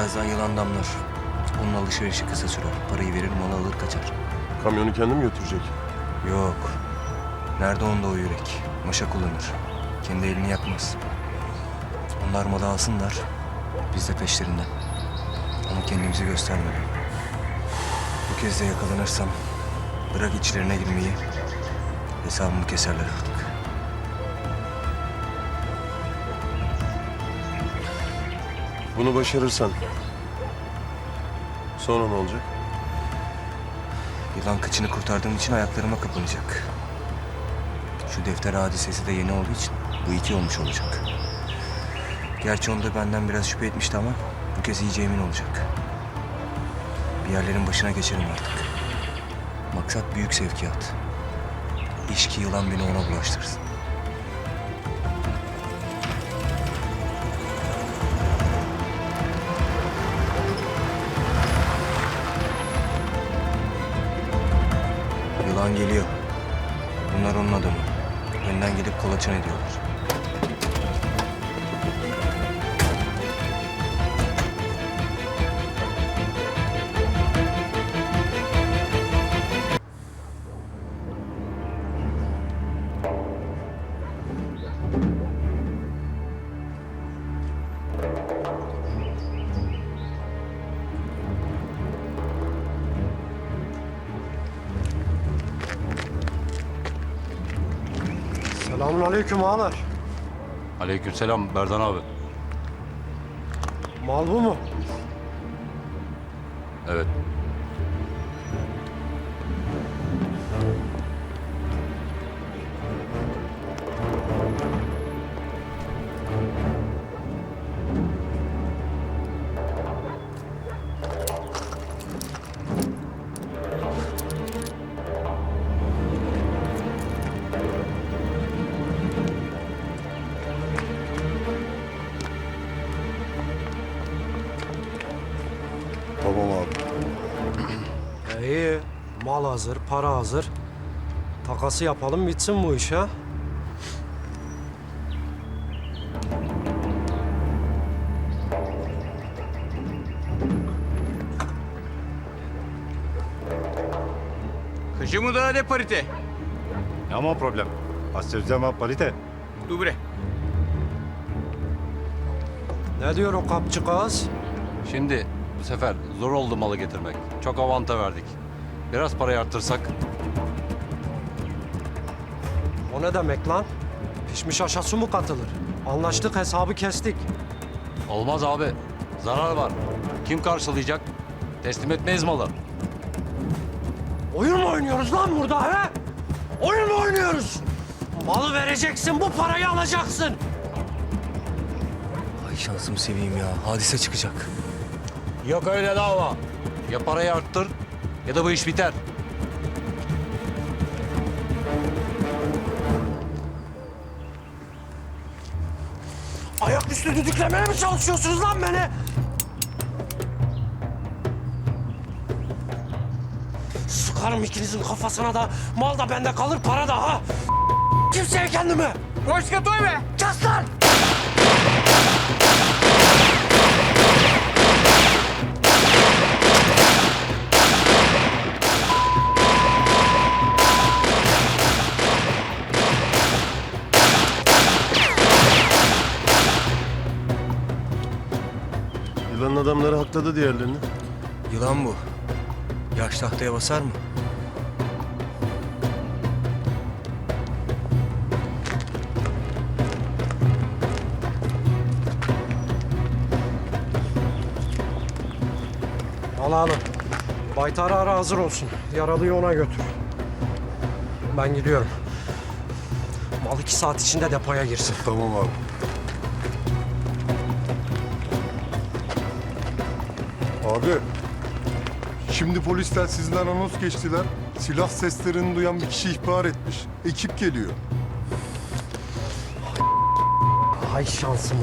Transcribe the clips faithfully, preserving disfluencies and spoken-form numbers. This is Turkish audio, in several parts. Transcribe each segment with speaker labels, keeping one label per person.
Speaker 1: Birazdan yılan damlar. Onun alışverişi kısa sürer. Parayı verir, malı alır kaçar.
Speaker 2: Kamyonu kendi mi götürecek?
Speaker 1: Yok. Nerede onda o yürek? Maşa kullanır. Kendi elini yakmaz. Onlar malı alsınlar. Biz de peşlerinden. Ama kendimizi göstermeden. Bu kez de yakalanırsam bırak içlerine girmeyi, hesabımı keserler artık.
Speaker 2: Bunu başarırsan sonra ne olacak?
Speaker 1: Yılan kıçını kurtardığım için ayaklarıma kapanacak. Şu defter hadisesi de yeni olduğu için bu iki olmuş olacak. Gerçi onda benden biraz şüphe etmişti ama bu kez iyice emin olacak. Bir yerlerin başına geçerim artık. Maksat büyük sevkiyat. İş ki yılan beni ona bulaştırsın. Yılan geliyor. Bunlar onun adamı. Önden gidip kolaçan ediyorlar.
Speaker 3: Selamünaleyküm ağalar.
Speaker 4: Aleykümselam Berdan abi.
Speaker 3: Mal bu mu?
Speaker 4: Evet.
Speaker 2: Tamam abi.
Speaker 3: İyi. Mal hazır, para hazır. Takası yapalım bitsin bu iş ha.
Speaker 5: Kıcı da ne parite?
Speaker 6: Няма проблем. Аз ще взема парите.
Speaker 5: Dubre.
Speaker 3: Ne diyor o kapçı kız?
Speaker 4: Şimdi bu sefer zor oldu malı getirmek. Çok avanta verdik. Biraz parayı arttırsak.
Speaker 3: O ne demek lan? Pişmiş aşa su mu katılır? Anlaştık, hesabı kestik.
Speaker 4: Olmaz abi. Zarar var. Kim karşılayacak? Teslim etmeyiz malı.
Speaker 3: Oyun mu oynuyoruz lan burada he? Oyun mu oynuyoruz? Malı vereceksin, bu parayı alacaksın.
Speaker 1: Ay şansımı seveyim ya. Hadise çıkacak.
Speaker 4: Yok öyle dava. Ya parayı arttır ya da bu iş biter.
Speaker 3: Ayaküstü düdüklemeye mi çalışıyorsunuz lan beni? Sıkarım ikinizin kafasına da, mal da bende kalır, para da ha. Kimseye kendimi.
Speaker 5: Hoş katoy be.
Speaker 3: Kes lan!
Speaker 2: Yılanın adamları hakladı diğerlerini.
Speaker 1: Yılan bu. Yaş tahtaya basar mı?
Speaker 3: Al alın. Baytar ara hazır olsun. Yaralıyı ona götür. Ben gidiyorum. Mal iki saat içinde depoya girsin.
Speaker 2: Tamam abi.
Speaker 7: Abi, şimdi polisler sizden anons geçtiler. Silah seslerini duyan bir kişi ihbar etmiş. Ekip geliyor.
Speaker 3: Hay şansım.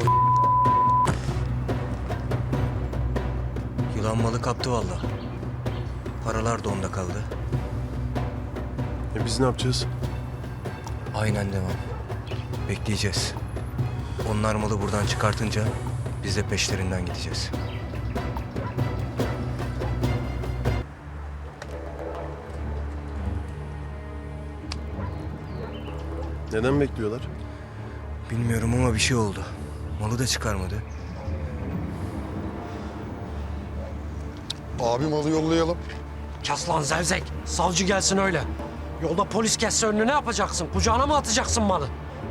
Speaker 1: Yılan malı kaptı vallahi. Paralar da onda kaldı.
Speaker 2: E biz ne yapacağız?
Speaker 1: Aynen devam. Bekleyeceğiz. Onlar malı buradan çıkartınca biz de peşlerinden gideceğiz.
Speaker 2: Neden bekliyorlar?
Speaker 1: Bilmiyorum ama bir şey oldu. Malı da çıkarmadı.
Speaker 7: Abi malı yollayalım.
Speaker 3: Kes lan zevzek. Savcı gelsin öyle. Yolda polis kesse önünü ne yapacaksın? Kucağına mı atacaksın malı?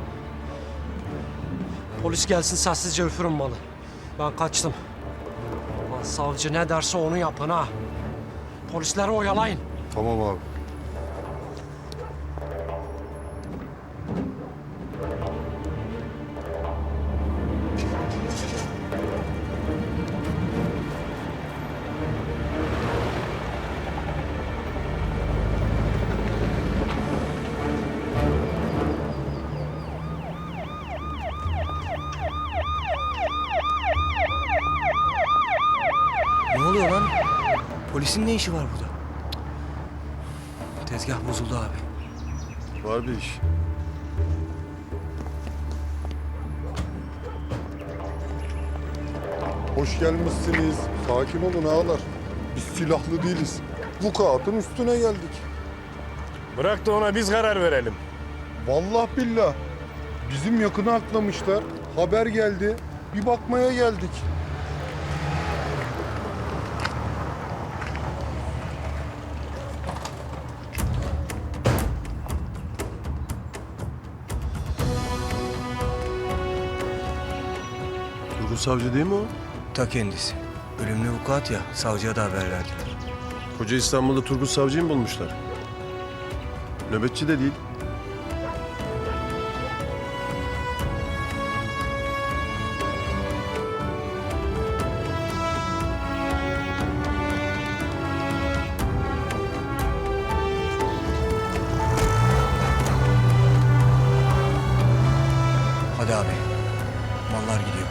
Speaker 3: Polis gelsin sessizce üfürün malı. Ben kaçtım. Lan savcı ne derse onu yapın ha. Polisleri oyalayın.
Speaker 7: Tamam abi.
Speaker 1: Ne oluyor lan? Polisin ne işi var burada? Tezgah bozuldu abi.
Speaker 2: Var bir iş.
Speaker 7: Hoş gelmişsiniz. Sakin olun ağalar. Biz silahlı değiliz. Bu kağıtın üstüne geldik.
Speaker 8: Bırak da ona biz karar verelim.
Speaker 7: Vallahi billah. Bizim yakını aklamışlar. Haber geldi. Bir bakmaya geldik.
Speaker 2: Turgut Savcı değil mi o?
Speaker 1: Ta kendisi. Ölümlü vukuat ya, savcıya da haber verdiler.
Speaker 2: Koca İstanbul'da Turgut Savcı'yı mı bulmuşlar? Nöbetçi de değil.
Speaker 1: Hadi abi, mallar gidiyor.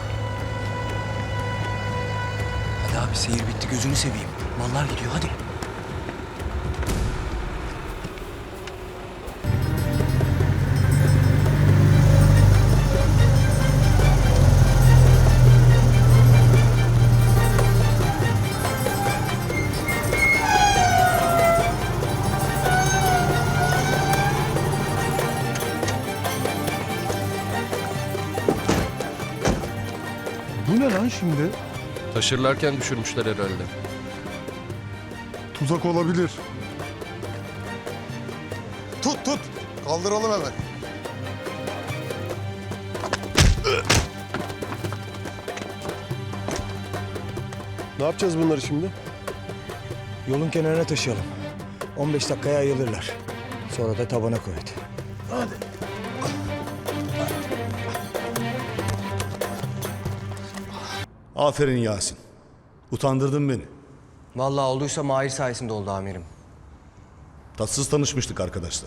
Speaker 1: Hadi abi, seyir bitti, gözünü seveyim. Mallar gidiyor, hadi.
Speaker 7: Bu ne lan şimdi?
Speaker 9: Taşırlarken düşürmüşler herhalde.
Speaker 7: Tuzak olabilir. Tut tut. Kaldıralım hemen.
Speaker 2: Ne yapacağız bunları şimdi?
Speaker 1: Yolun kenarına taşıyalım. on beş dakikaya ayılırlar. Sonra da tabana koy hadi.
Speaker 8: Aferin Yasin. Utandırdın beni.
Speaker 1: Vallahi olduysa Mahir sayesinde oldu amirim.
Speaker 8: Tatsız tanışmıştık arkadaşlar.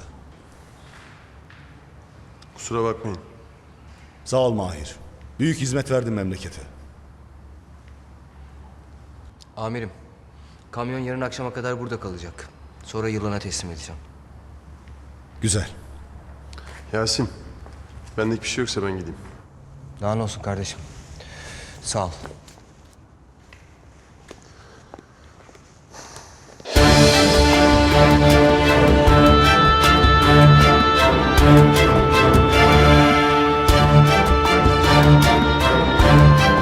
Speaker 2: Kusura bakmayın.
Speaker 8: Sağ ol Mahir. Büyük hizmet verdin memlekete.
Speaker 1: Amirim, kamyon yarın akşama kadar burada kalacak. Sonra yılana teslim edeceğim.
Speaker 8: Güzel.
Speaker 2: Yasin, benlik bir şey yoksa ben gideyim.
Speaker 1: Daha ne olsun kardeşim. Sağ ol.